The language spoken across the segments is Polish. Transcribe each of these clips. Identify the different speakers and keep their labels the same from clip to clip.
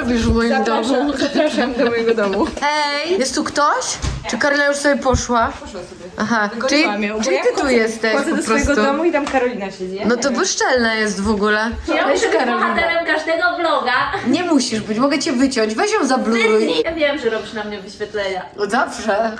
Speaker 1: robisz w moim domu?
Speaker 2: Zapraszam do mojego domu.
Speaker 1: Hej! Jest tu ktoś? Czy Karola już sobie poszła?
Speaker 2: Poszła sobie.
Speaker 1: Aha, czyli ty tu jesteś
Speaker 2: Chodzę
Speaker 1: po
Speaker 2: do swojego
Speaker 1: prostu.
Speaker 2: domu i tam Karolina siedzi.
Speaker 1: No to bezczelne jest w ogóle.
Speaker 3: Ja
Speaker 1: Weź
Speaker 3: muszę być
Speaker 1: Karolina.
Speaker 3: bohaterem każdego vloga.
Speaker 1: Nie musisz być, mogę cię wyciąć. Weź ją zabluruj.
Speaker 3: Ja wiem, że robisz na mnie wyświetlenia.
Speaker 1: No zawsze.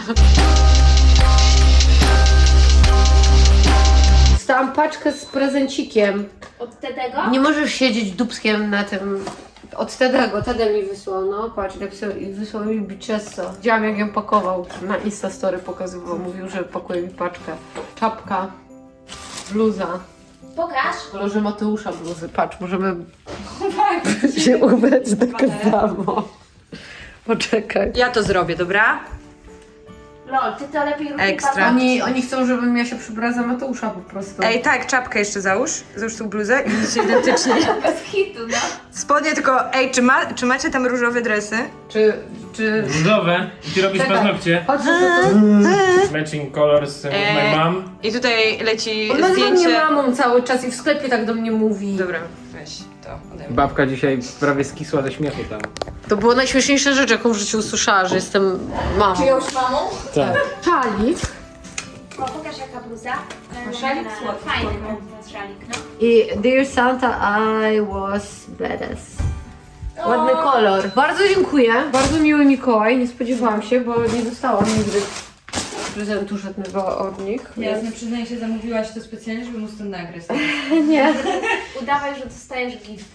Speaker 1: Dostałam paczkę z prezencikiem.
Speaker 3: Od tego?
Speaker 1: Nie możesz siedzieć dupskiem na tym. Od Tedego. Tede mi wysłał, no patrz, napisał i wysłał mi bicesso. Widziałam jak ją pakował. Na Instastory pokazywał. Mówił, że pakuje mi paczkę. Czapka, bluza.
Speaker 3: Pokaż.
Speaker 1: W kolorze Mateusza bluzy. Patrz, możemy się ubrać tak samo. Poczekaj.
Speaker 2: Ja to zrobię, dobra?
Speaker 3: Lol, ty to lepiej rób.
Speaker 2: Ekstra.
Speaker 1: Oni chcą, żebym ja się przybrała za Mateusza po prostu.
Speaker 2: Ej, tak, czapkę jeszcze załóż. Załóż tą bluzę i będziecie identyczni.
Speaker 3: Bez hitu, no.
Speaker 2: Spodnie tylko, ej, czy macie tam różowe dresy?
Speaker 1: Czy...
Speaker 4: Różowe. I ty robisz
Speaker 1: Czekaj.
Speaker 4: paznokcie.
Speaker 1: Chodź,
Speaker 4: Matching colors with my mom.
Speaker 2: I tutaj leci
Speaker 1: Ona nazywa mnie
Speaker 2: zdjęcie.
Speaker 1: mamą cały czas i w sklepie tak do mnie mówi.
Speaker 2: Dobra, weź to ode mnie.
Speaker 4: Babka dzisiaj prawie skisła ze śmiechu tam.
Speaker 1: To była najśmieszniejsza rzecz, jaką w życiu usłyszała, że jestem mamą.
Speaker 3: Czyjąś mamą?
Speaker 4: Tak.
Speaker 1: Szalik
Speaker 3: O, pokaż jaka bluza.
Speaker 2: szalik słodki.
Speaker 3: Fajny ten szalik, no.
Speaker 1: i Dear Santa, I was badass. Ładny kolor. Bardzo dziękuję. Bardzo miły Mikołaj. Nie spodziewałam się, bo nie dostałam nigdy prezentu żadnego od nich.
Speaker 2: Jasne, przyznaję się, zamówiłaś to specjalnie, żeby móc to nagrać.
Speaker 1: Nie.
Speaker 3: Udawaj, że dostajesz gifty.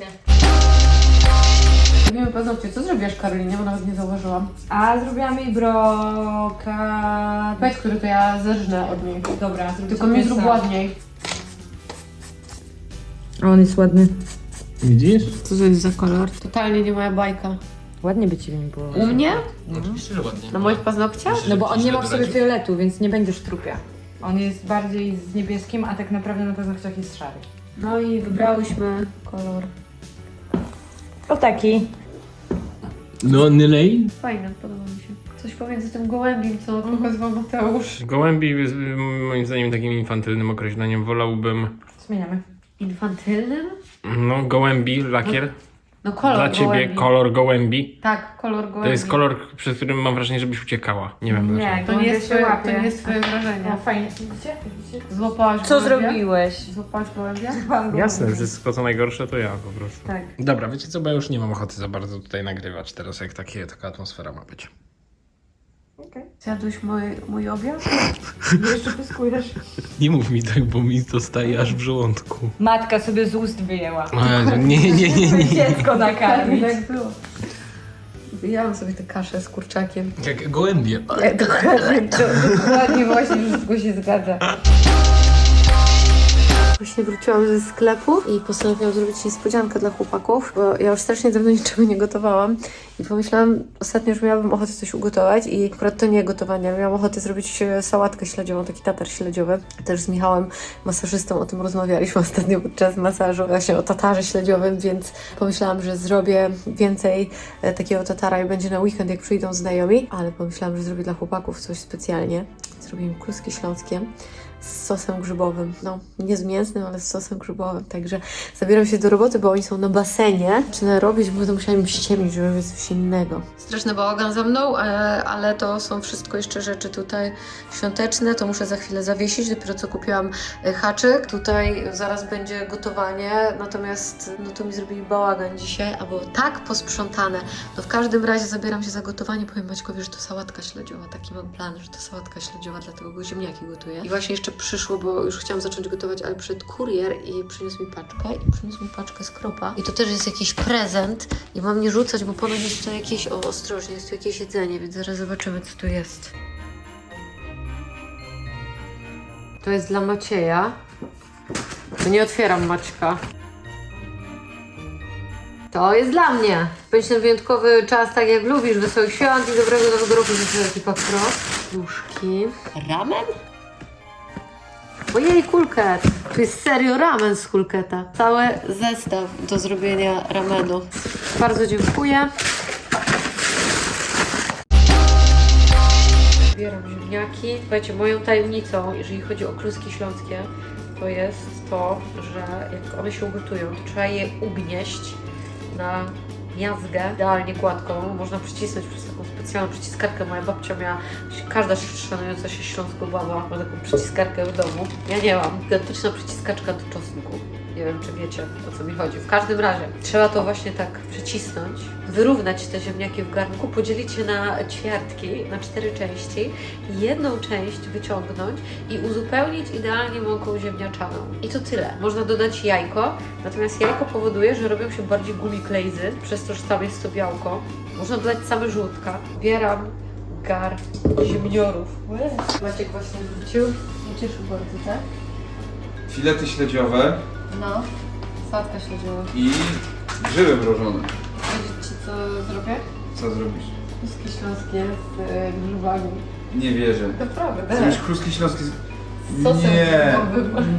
Speaker 1: Robimy paznokcie. Co zrobiłaś Karolinie? Bo nawet nie zauważyłam.
Speaker 2: A zrobiłam jej brokat.
Speaker 1: Powiedz, który to ja zerżnę od niej.
Speaker 2: Dobra, zrobię
Speaker 1: Tylko mi zrób ładniej.
Speaker 2: On jest ładny.
Speaker 4: Widzisz?
Speaker 1: Co to jest za kolor? Totalnie nie moja bajka.
Speaker 2: Ładnie by ci w nim było.
Speaker 1: U mnie?
Speaker 4: Oczywiście, że ładnie.
Speaker 1: Na moich paznokciach?
Speaker 2: No bo on nie ma w sobie fioletu, więc nie będziesz trupia. On jest bardziej z niebieskim, a tak naprawdę na paznokciach jest szary.
Speaker 1: No i wybrałyśmy kolor.
Speaker 2: O taki.
Speaker 4: No, Nylej?
Speaker 1: Fajne, podoba mi się. Coś pomiędzy tym gołębiem, co pokazywał Mateusz.
Speaker 4: Gołębi jest moim zdaniem takim infantylnym określeniem. Wolałbym,
Speaker 2: Zmieniamy.
Speaker 1: Infantylnym?
Speaker 4: no, gołębi, lakier.
Speaker 1: No kolor
Speaker 4: Dla ciebie
Speaker 1: gołębi.
Speaker 4: kolor gołębi.
Speaker 1: Tak, kolor gołębi.
Speaker 4: To jest kolor, przez którym mam wrażenie, żebyś uciekała. Nie wiem dlaczego.
Speaker 1: To nie jest twoje,
Speaker 2: łapie.
Speaker 1: to nie jest twoje wrażenie.
Speaker 2: No fajnie. Widzicie?
Speaker 1: Złapałaś
Speaker 2: Co
Speaker 1: gołębia?
Speaker 2: zrobiłeś?
Speaker 1: Złapałaś gołębia?
Speaker 4: Jasne, wszystko co najgorsze to ja po prostu.
Speaker 1: Tak.
Speaker 4: Dobra, wiecie co, bo ja już nie mam ochoty za bardzo tutaj nagrywać teraz, jak taka atmosfera ma być.
Speaker 1: Zjadłeś mój obiad?
Speaker 2: Jeszcze pyskujesz.
Speaker 4: Nie mów mi tak, bo mi to staje aż w żołądku.
Speaker 2: Matka sobie z ust wyjęła.
Speaker 4: Nie.
Speaker 2: Dziecko nakarmić.
Speaker 1: Tak było. Wyjęłam sobie tę kaszę z kurczakiem.
Speaker 4: Jak gołębie.
Speaker 1: Dokładnie właśnie, wszystko się zgadza. Właśnie wróciłam ze sklepu i postanowiłam zrobić niespodziankę dla chłopaków, bo ja już strasznie dawno niczego nie gotowałam i pomyślałam ostatnio, że miałabym ochotę coś ugotować i akurat to nie gotowanie, miałam ochotę zrobić sałatkę śledziową, taki tatar śledziowy. Też z Michałem, masażystą, o tym rozmawialiśmy ostatnio podczas masażu, właśnie o tatarze śledziowym, więc pomyślałam, że zrobię więcej takiego tatara i będzie na weekend, jak przyjdą znajomi, ale pomyślałam, że zrobię dla chłopaków coś specjalnie. Zrobię im kluski śląskie z sosem grzybowym. No, nie z mięsnym, ale z sosem grzybowym. Także zabieram się do roboty, bo oni są na basenie. Zaczynam robić, bo będę musiała im ściemnić, żeby robić coś innego. Straszny bałagan za mną, ale to są wszystko jeszcze rzeczy tutaj świąteczne. To muszę za chwilę zawiesić. Dopiero co kupiłam haczyk. Tutaj zaraz będzie gotowanie. Natomiast no to mi zrobili bałagan dzisiaj, albo tak posprzątane. No w każdym razie zabieram się za gotowanie. Powiem Maćkowi, że to sałatka śledziowa. Taki mam plan, że to sałatka śledziowa, dlatego go ziemniaki gotuję. I właśnie jeszcze przyszło, bo już chciałam zacząć gotować, ale przyszedł kurier i przyniósł mi paczkę skropa. I to też jest jakiś prezent i mam nie rzucać, bo ponoć jest to jakieś, ostrożnie, jest tu jakieś jedzenie, więc zaraz zobaczymy, co tu jest. To jest dla Macieja. To nie otwieram, Maćka. To jest dla mnie. Spędź ten wyjątkowy czas tak jak lubisz, wesołych świąt i dobrego nowego roku życzę ekipa Pro. Puszki. Ramen? Ojej, kulket! Tu jest serio ramen z kulketa. Cały zestaw do zrobienia ramenu. Bardzo dziękuję. Zbieram ziemniaki. Słuchajcie, moją tajemnicą, jeżeli chodzi o kluski śląskie, to jest to, że jak one się ugotują, to trzeba je ugnieść na miazgę, idealnie gładką. Można przycisnąć przez taką specjalną przyciskarkę. Moja babcia miała, każda szanująca się śląsko baba ma taką przyciskarkę w domu. Ja nie mam. Gigantyczna przyciskaczka do czosnku. Nie wiem, czy wiecie, o co mi chodzi. W każdym razie trzeba to właśnie tak przycisnąć, wyrównać te ziemniaki w garnku, podzielić je na ćwiartki, na 4 części, jedną część wyciągnąć i uzupełnić idealnie mąką ziemniaczaną. I to tyle. Można dodać jajko, natomiast jajko powoduje, że robią się bardziej gumiklejzy, przez to, że tam jest to białko. Można dodać same żółtka. Bieram gar ziemniorów. Maciek właśnie wrócił. Nie cieszył bardzo, tak?
Speaker 5: Filety śledziowe
Speaker 1: No, sałatka śledziowa.
Speaker 5: i grzyby mrożone.
Speaker 1: Powiedzieć Ci, co zrobię?
Speaker 5: Co zrobisz?
Speaker 1: Kluski śląskie z grzybami.
Speaker 5: Nie wierzę.
Speaker 1: Naprawdę.
Speaker 5: Zrobisz kluski śląskie z...
Speaker 1: Z sosem
Speaker 5: Nie.
Speaker 1: grzybowym.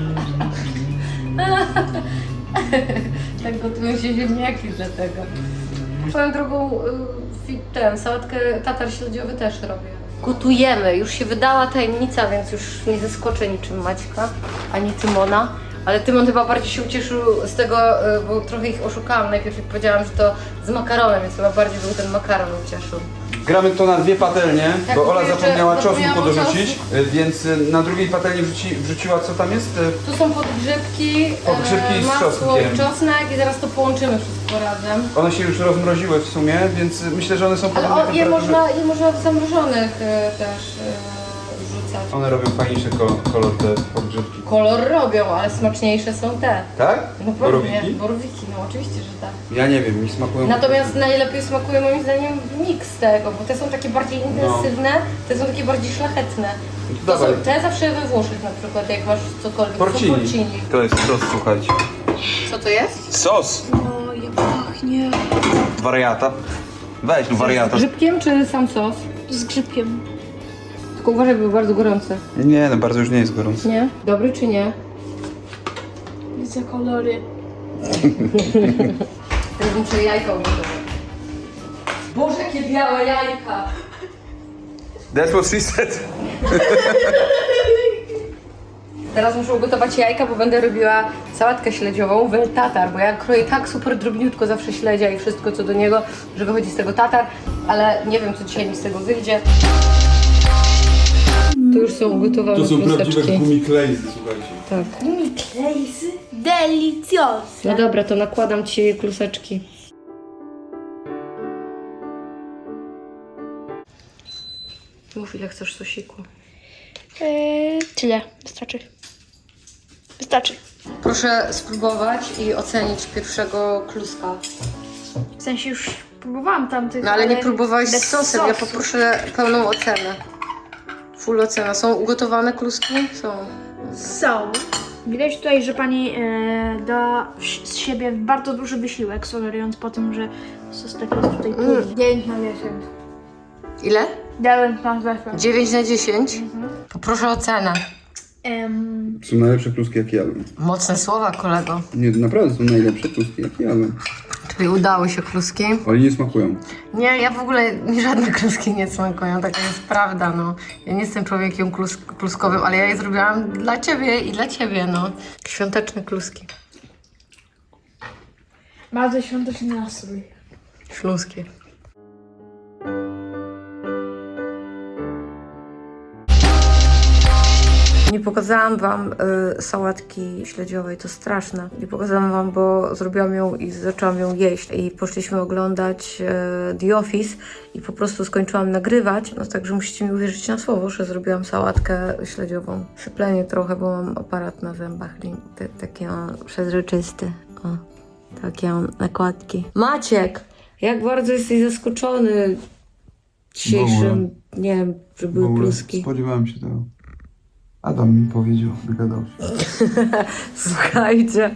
Speaker 1: Tak gotują się ziemniaki dlatego. Swoją drogą sałatkę tatar śledziowy też robię. Gotujemy. Już się wydała tajemnica, więc już nie zaskoczę niczym Maćka, ani Tymona. Ale Tymon chyba bardziej się ucieszył z tego, bo trochę ich oszukałam. Najpierw jak powiedziałam, że to z makaronem, więc chyba bardziej był ten makaron ucieszył.
Speaker 5: Gramy to na 2 patelnie,
Speaker 1: Tak,
Speaker 5: bo Ola
Speaker 1: bo jeszcze
Speaker 5: zapomniała czosnku
Speaker 1: zapomniałam
Speaker 5: podrzucić, więc na drugiej patelni wrzuciła, co tam jest?
Speaker 1: Tu są podgrzybki,
Speaker 5: Podgrzybki z
Speaker 1: masło
Speaker 5: czosnkiem.
Speaker 1: i czosnek i zaraz to połączymy wszystko razem.
Speaker 5: One się już rozmroziły w sumie, więc myślę, że one są
Speaker 1: Ale
Speaker 5: podobne
Speaker 1: je
Speaker 5: temperatury.
Speaker 1: można w zamrożonych też wrzucać.
Speaker 5: One robią fajniejszy kolor te podgrzybki.
Speaker 1: Kolor robią, ale smaczniejsze są te.
Speaker 5: Tak?
Speaker 1: No pewnie,
Speaker 5: Borowiki?
Speaker 1: borowiki, no oczywiście, że tak.
Speaker 5: Ja nie wiem, mi smakują...
Speaker 1: Natomiast najlepiej smakuje moim zdaniem miks tego, bo te są takie bardziej intensywne, te są takie bardziej szlachetne.
Speaker 5: No
Speaker 1: To są,
Speaker 5: dawaj.
Speaker 1: te zawsze we Włoszech na przykład, jak masz cokolwiek, to są
Speaker 5: Porcini.
Speaker 1: porcini.
Speaker 5: To jest sos, słuchajcie.
Speaker 1: Co to jest?
Speaker 5: Sos!
Speaker 1: O, jak pachnie.
Speaker 5: Wariata. Weź no wariata.
Speaker 1: Z grzybkiem czy sam sos?
Speaker 3: Z grzybkiem.
Speaker 1: Tylko uważaj, był bardzo gorący.
Speaker 5: Nie, no bardzo już nie jest gorąco.
Speaker 1: Nie? Dobry czy nie?
Speaker 3: Widzę kolory.
Speaker 1: Teraz muszę jajka ugotować. Boże, jakie białe jajka!
Speaker 5: That's what she said.
Speaker 1: Teraz muszę ugotować jajka, bo będę robiła sałatkę śledziową, wel tatar, bo ja kroję tak super drobniutko zawsze śledzia i wszystko co do niego, że wychodzi z tego tatar, ale nie wiem co dzisiaj mi z tego wyjdzie. To już są ugotowane kluseczki.
Speaker 5: gumiklejzy, słuchajcie.
Speaker 1: Tak.
Speaker 3: Klejzy. Delicioso.
Speaker 1: No dobra, to nakładam Ci kluseczki. Mów ile chcesz sosiku.
Speaker 3: Tyle. Wystarczy. Wystarczy.
Speaker 1: Proszę spróbować i ocenić pierwszego kluska.
Speaker 3: W sensie już próbowałam tamtych.
Speaker 1: No ale nie próbowałeś
Speaker 3: bez
Speaker 1: z sosem, ja
Speaker 3: sosu.
Speaker 1: poproszę pełną ocenę. Full ocena. Są ugotowane kluski? Są.
Speaker 3: Są. Widać tutaj, że pani da z siebie bardzo duży wysiłek, sugerując po tym, że sos taki jest tutaj płyny. 9 na 10.
Speaker 1: Ile?
Speaker 3: 9 na 10.
Speaker 1: 9 na 10? Poproszę ocenę.
Speaker 5: Są najlepsze kluski, jakie jadłem.
Speaker 1: Mocne słowa, kolego.
Speaker 5: Nie, naprawdę są najlepsze kluski, jakie jadłem.
Speaker 1: Czyli udały się kluski.
Speaker 5: Ale nie smakują.
Speaker 1: Nie, ja w ogóle mi żadne kluski nie smakują, taka jest prawda, no. Ja nie jestem człowiekiem kluskowym, ale ja je zrobiłam dla Ciebie i dla Ciebie, no. Świąteczne kluski.
Speaker 3: Bardzo świąteczny nastrój.
Speaker 1: Śląskie. Nie pokazałam Wam sałatki śledziowej, to straszne. Nie pokazałam Wam, bo zrobiłam ją i zaczęłam ją jeść. I poszliśmy oglądać The Office i po prostu skończyłam nagrywać. No także musicie mi uwierzyć na słowo, że zrobiłam sałatkę śledziową. Syplenie trochę, bo mam aparat na zębach. Taki przezroczysty. O, takie nakładki. Maciek! Jak bardzo jesteś zaskoczony dzisiejszym, nie wiem, że były pluski.
Speaker 5: Spodziewałem się tego. Adam mi powiedział, wygadał się.
Speaker 1: Słuchajcie,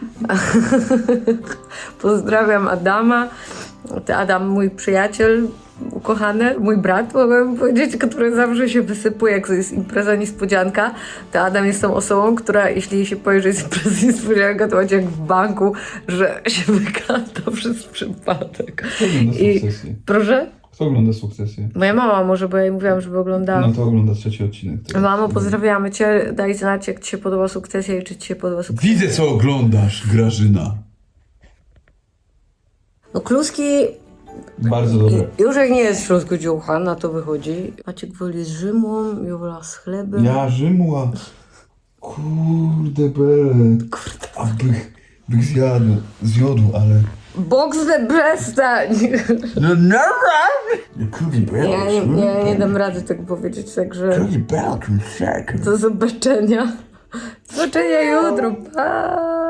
Speaker 1: pozdrawiam Adama. To Adam, mój przyjaciel ukochany, mój brat, mogę powiedzieć, który zawsze się wysypuje, jak to jest impreza niespodzianka. To Adam jest tą osobą, która jeśli jej się powie, że jest impreza niespodzianka, to będzie jak w banku, że się wygada przez przypadek.
Speaker 6: Kto ogląda Sukcesję?
Speaker 1: Proszę?
Speaker 6: Kto ogląda Sukcesję?
Speaker 1: Moja mama może, bo ja jej mówiłam, żeby oglądała.
Speaker 6: No to ogląda 3. odcinek. teraz.
Speaker 1: Mamo, pozdrawiamy Cię. Daj znać, jak Ci się podoba Sukcesja i czy Ci się podoba Sukcesja.
Speaker 6: Widzę, co oglądasz, Grażyna.
Speaker 1: No kluski,
Speaker 6: Bardzo dobre.
Speaker 1: już jak nie jest w środku dziucha, na to wychodzi. Maciek woli z Rzymą, Jola z chlebem.
Speaker 6: Ja Rzymła. Kurde bele. A bych zjadł, ale...
Speaker 1: Boxer, przestań!
Speaker 6: No
Speaker 1: Ja nie dam rady tego powiedzieć, także
Speaker 6: Bele,
Speaker 1: do zobaczenia. Do zobaczenia jutro, pa!